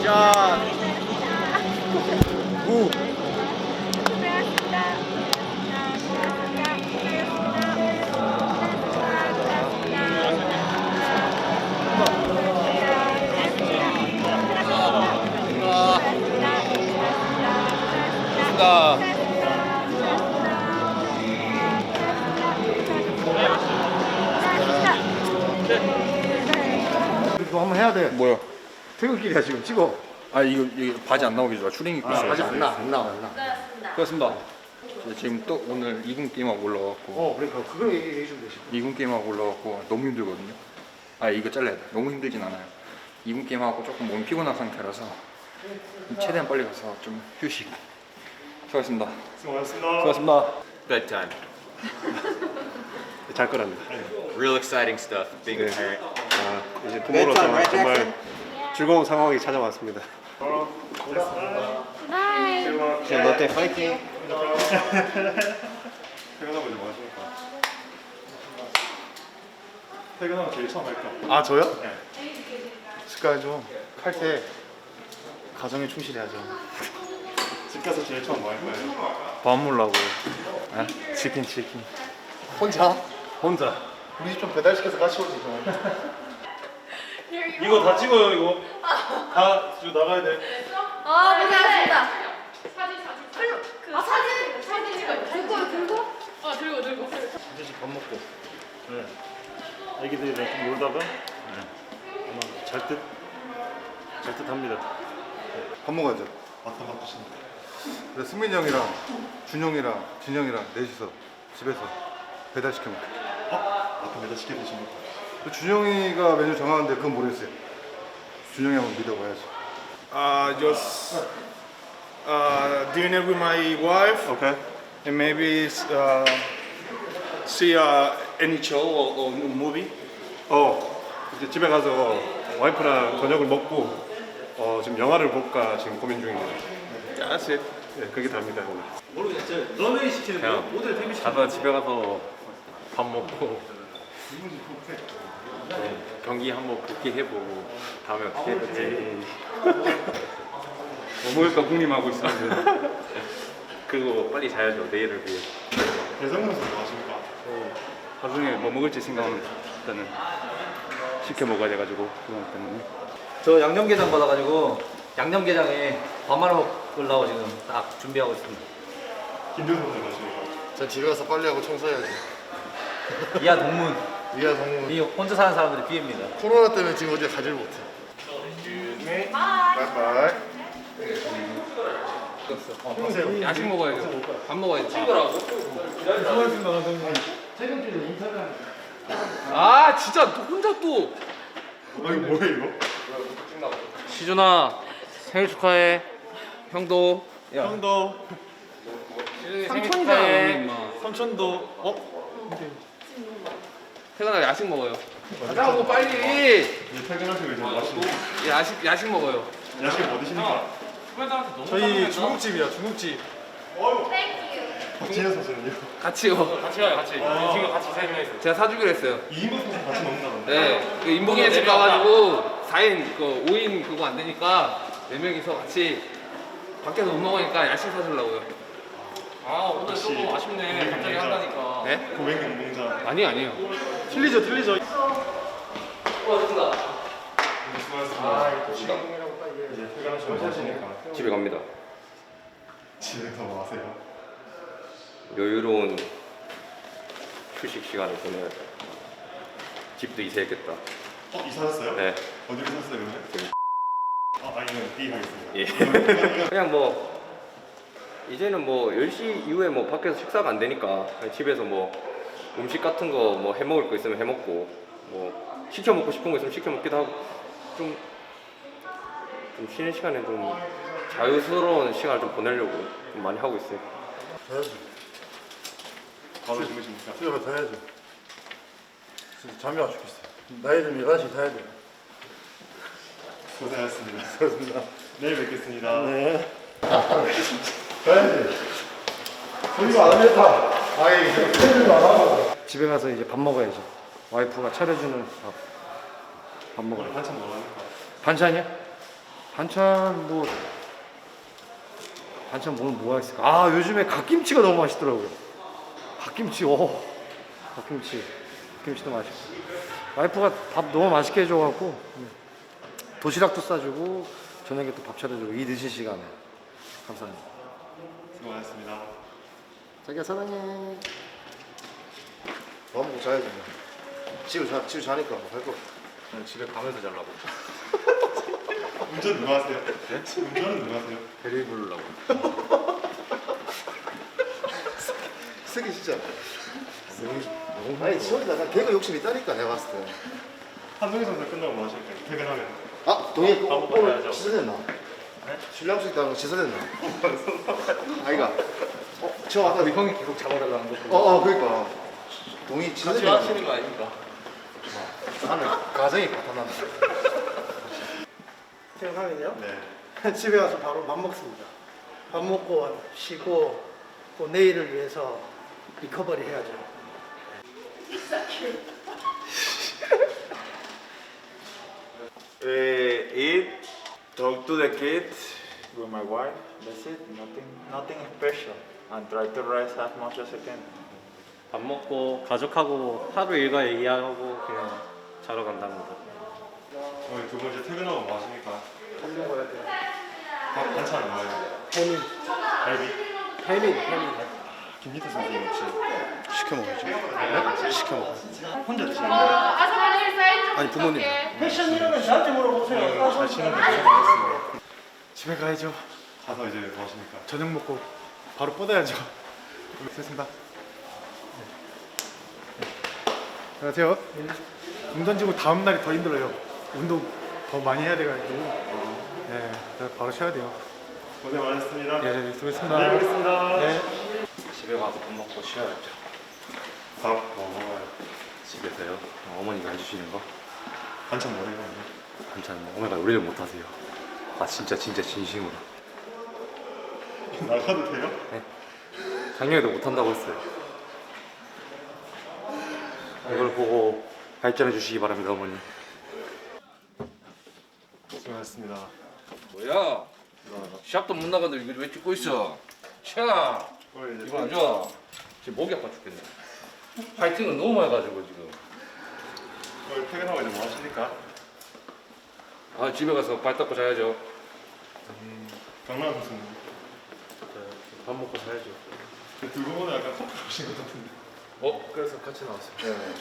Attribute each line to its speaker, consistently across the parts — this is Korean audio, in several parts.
Speaker 1: 자, 무. 이거 한번 해야 돼.
Speaker 2: 뭐야?
Speaker 1: 퇴근길이야 지금 찍어.
Speaker 2: 아 이거 바지 안 나오게 좋아. 추링 입고 있어요.
Speaker 1: 아직 안 나와.
Speaker 2: 그렇습니다. 지금 또 오늘 2군 게임하고 올라왔고
Speaker 1: 그러니까 그걸 얘기해 주면 되지.
Speaker 2: 2군 게임하고 올라왔고 너무 힘들거든요. 아 이거 잘라야 돼. 너무 힘들진 않아요. 2군 게임하고 조금 몸이 피곤한 상태라서 최대한 빨리 가서 좀 휴식. 수고하셨습니다. 수고하셨습니다.
Speaker 3: Bedtime.
Speaker 4: 잘 거랍니다.
Speaker 3: Real exciting stuff. Being a parent.
Speaker 4: 이제 부모로서 정말 즐거운 상황이 찾아왔습니다. 자, 롯데 파이팅!
Speaker 5: 퇴근하고 이제 뭐 하십니까? 퇴근하고 제일 처음 할까?
Speaker 1: 아 저요?
Speaker 5: 네.
Speaker 1: 습관이죠. 칼때 가정에 충실해야죠.
Speaker 5: 집 가서 제일 처음 뭐 할까요?
Speaker 4: 밥 먹으려고. 치킨.
Speaker 1: 혼자?
Speaker 4: 혼자.
Speaker 1: 우리 집 좀 배달시켜서 같이 오지 좀.
Speaker 5: 이거 다 찍어요 이거. 다 지금 나가야 돼.
Speaker 6: 아, 고생하셨습니다. 사진 찍어요. 들고.
Speaker 5: 이제 밥 먹고. 네. 애기들이랑 좀 놀다가 아마 잘 듯합니다.
Speaker 1: 밥 먹어야죠.
Speaker 5: 맞다 바쁘시네.
Speaker 1: 그래서 승민이 형이랑 준영이랑 진영이랑 넷이서 집에서 배달시켜 먹고.
Speaker 5: 아까 매달 시켜 드신 거.
Speaker 1: 준영이가 메뉴 정하는데 그건 모르겠어요. 준영이 한번 믿어봐야지.
Speaker 7: Just dinner with my wife
Speaker 5: 오케이.
Speaker 7: and maybe see any show or movie.
Speaker 4: 이제 집에 가서 와이프랑 저녁을 먹고 지금 영화를 볼까 지금 고민 중입니다.
Speaker 7: That's it.
Speaker 4: 네, 그게 답니다 오늘.
Speaker 8: 가서 집에 가서 밥 먹고 경기 한번 복귀해보고 다음에 어떻게 해야 될지 뭐 먹을까 궁리하고 있었는데 그리고 빨리 자야죠 내일을 위해.
Speaker 5: 배성민 선수 뭐 하십니까?
Speaker 8: 하루 종일 뭐 먹을지 생각하면 일단은 시켜 먹어야 돼가지고 그거 때문에.
Speaker 9: 저 양념게장 받아가지고 양념게장에 밥 말아 먹으려고 지금 딱 준비하고 있습니다.
Speaker 5: 김준 선수 뭐 하십니까?
Speaker 1: 전 집에 가서 빨리 하고 청소해야지.
Speaker 9: 이하 동문.
Speaker 1: 이하 정우.
Speaker 9: 이 혼자 사는 사람들의 비애입니다.
Speaker 1: 코로나 때문에 지금 어디 가질 못해. 바이바이.
Speaker 2: 야식 먹어야죠. 밥 먹어야지. 찍으라고. 아 진짜 혼자 또.
Speaker 5: 이거 뭐야 이거?
Speaker 2: 시준아 생일 축하해. 형도.
Speaker 5: 형도
Speaker 2: 삼촌이잖아.
Speaker 5: 삼촌도
Speaker 2: 퇴근하고 야식 먹어요. 가자고 빨리.
Speaker 5: 이제 퇴근하시고 이제 뭐 하시는
Speaker 2: 야식 먹어요.
Speaker 5: 야식 뭐 드십니까?
Speaker 7: 저희 중국집이야, 중국집.
Speaker 5: 박진현 선수는요?
Speaker 2: 같이요. 같이 가요 같이. 지금 같이 세 명이서. 제가 사주기로 했어요.
Speaker 5: 2인분 선수 같이 먹는다던데?
Speaker 2: 네. 그 인봉이네 집 가가지고 4인 그 5인 그거 안 되니까 4명이서 같이 밖에서 못 먹으니까 야식 사주려고요.
Speaker 8: 아 오늘 조금 아쉽네 갑자기 한다니까.
Speaker 2: 네?
Speaker 5: 고백 연봉자.
Speaker 2: 아니에요.
Speaker 5: 틀리죠. 이제 퇴근하시고 뭐 하시니까
Speaker 8: 집에 갑니다.
Speaker 5: 집에서 뭐 하세요?
Speaker 8: 여유로운 휴식 시간을 보내야 돼. 집도 이사했겠다.
Speaker 5: 이사하셨어요?
Speaker 8: 네.
Speaker 5: 어디로 사셨어요 그러면? 아니면 B 하겠습니다.
Speaker 8: 예. 그냥 뭐 이제는 뭐 10시 이후에 뭐 밖에서 식사가 안 되니까 그냥 집에서 뭐 음식 같은 거 뭐 해 먹을 거 있으면 해 먹고 뭐 시켜 먹고 싶은 거 있으면 시켜 먹기도 하고 좀 쉬는 시간에 좀 자유스러운 시간을 좀 보내려고 좀 많이 하고 있어요.
Speaker 1: 자야지.
Speaker 5: 바로 주무십니까?
Speaker 1: 집에 가서 자야지. 진짜 잠이 와 죽겠어. 나이 좀 11시 자야 돼.
Speaker 5: 고생하셨습니다.
Speaker 1: 그렇습니다.
Speaker 5: 내일 뵙겠습니다.
Speaker 1: 네. 자야지. 소리가 안 했다. 아이, 소리가 안 하고. 집에 가서 이제 밥 먹어야지. 와이프가 차려주는 밥 먹어요.
Speaker 5: 한참 먹었니까
Speaker 1: 반찬이야?
Speaker 10: 반찬 뭐가 있을까? 아 요즘에 갓김치가 너무 맛있더라고요. 갓김치 갓김치도 맛있고 와이프가 밥 너무 맛있게 해줘갖고 도시락도 싸주고 저녁에 또 밥 차려주고 이 늦은 시간에 감사합니다.
Speaker 5: 수고하셨습니다.
Speaker 10: 자기야 사랑해.
Speaker 1: 밥 먹고 자야지. 집에 자니까 뭐 할 거.
Speaker 8: 집에 가면서 자려고.
Speaker 5: 운전 누가 하세요? 네? 운전은 누가 하세요?
Speaker 8: 배를 부르려고.
Speaker 1: 쓰기 진짜. 아니 지원이다. 난 개그 욕심 있다니까 내가 봤을 때.
Speaker 5: 한동희 선수 끝나고 뭐 하실까요? 퇴근하면.
Speaker 1: 아 동해
Speaker 5: 밥 먹고
Speaker 1: 오늘
Speaker 5: 가야죠.
Speaker 1: 취소됐나? 신랑수 있다는 거 취소됐나? 아이가. 저 아까
Speaker 10: 형이 계속 잡아달라는 거.
Speaker 1: 그러니까 동의 취소됐나?
Speaker 8: 거 아닙니까?
Speaker 1: 나는 가정이 바탕난다.
Speaker 11: 생각하면요.
Speaker 5: 네.
Speaker 11: 집에 가서 바로 밥 먹습니다. 밥 먹고 쉬고 또 내일을 위해서 리커버리 해야죠.
Speaker 7: Eat, talk to the kids with my wife. That's it. Nothing special. And try to rest as much as I can.
Speaker 8: 밥 먹고 가족하고 하루 일과 얘기하고 그냥 자러 간답니다.
Speaker 5: 오늘 두 번째 퇴근하고 뭐 하십니까? 밥 반찬 뭐예요?
Speaker 11: 해민,
Speaker 5: 갈비?
Speaker 11: 해민.
Speaker 5: 김기태 선생님 혹시
Speaker 1: 시켜 먹어야지. 네? 시켜 먹어.
Speaker 5: 혼자 드시는 거예요?
Speaker 6: 아사바늘 사이즈
Speaker 1: 아니 부모님.
Speaker 11: 패션 이름은 저한테 물어보세요.
Speaker 5: 잘 치는데 고생하셨습니다.
Speaker 7: 집에 가야죠.
Speaker 5: 가서 이제 뭐 하십니까?
Speaker 7: 저녁 먹고 바로 뻗어야죠. 됐습니다. 안녕하세요. 공 던지고 다음 날이 더 힘들어요. 운동 더 많이 해야 돼가지고. 네, 그래서 바로 쉬어야 돼요.
Speaker 5: 고생 많으셨습니다.
Speaker 7: 예, 수고했습니다.
Speaker 5: 내일 뵙겠습니다.
Speaker 7: 네.
Speaker 8: 집에 가서 밥 먹고 쉬어야죠.
Speaker 5: 밥 뭐 먹어요?
Speaker 8: 집에서요. 어머니가 해주시는 거
Speaker 5: 반찬 뭐래요?
Speaker 8: 반찬 어머니가 요리를 못 하세요. 아 진짜 진심으로.
Speaker 5: 나가도 돼요?
Speaker 8: 작년에도 못 한다고 했어요. 이걸 보고 발전해 주시기 바랍니다, 어머니.
Speaker 5: 수고하셨습니다.
Speaker 12: 뭐야? 시합도 못 나가는데 이거 왜 찍고 있어? 차!
Speaker 5: 오늘 이제
Speaker 12: 이거 안 좋아. 지금 목이 아파 죽겠네. 파이팅을 너무 많이 가지고 지금.
Speaker 5: 오늘 퇴근하고 이제 뭐 하십니까?
Speaker 12: 아 집에 가서 발 닦고 자야죠.
Speaker 5: 강남 선수는
Speaker 8: 밥 먹고 자야죠.
Speaker 5: 두 분은 약간 커플 오신 것 같은데.
Speaker 8: 그래서 같이 나왔어요.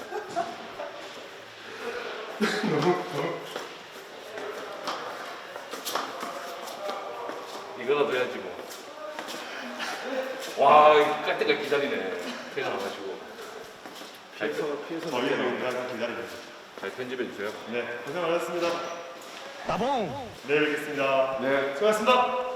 Speaker 12: 이거라도 해야지 뭐. 와, 이거 깔 때까지 기다리네. 퇴근 와가지고.
Speaker 5: 저희는 항상 기다리고 있어요.
Speaker 12: 잘 편집해 주세요.
Speaker 5: 네, 고생 많으셨습니다. 나봉! 내일 뵙겠습니다. 네, 수고하셨습니다.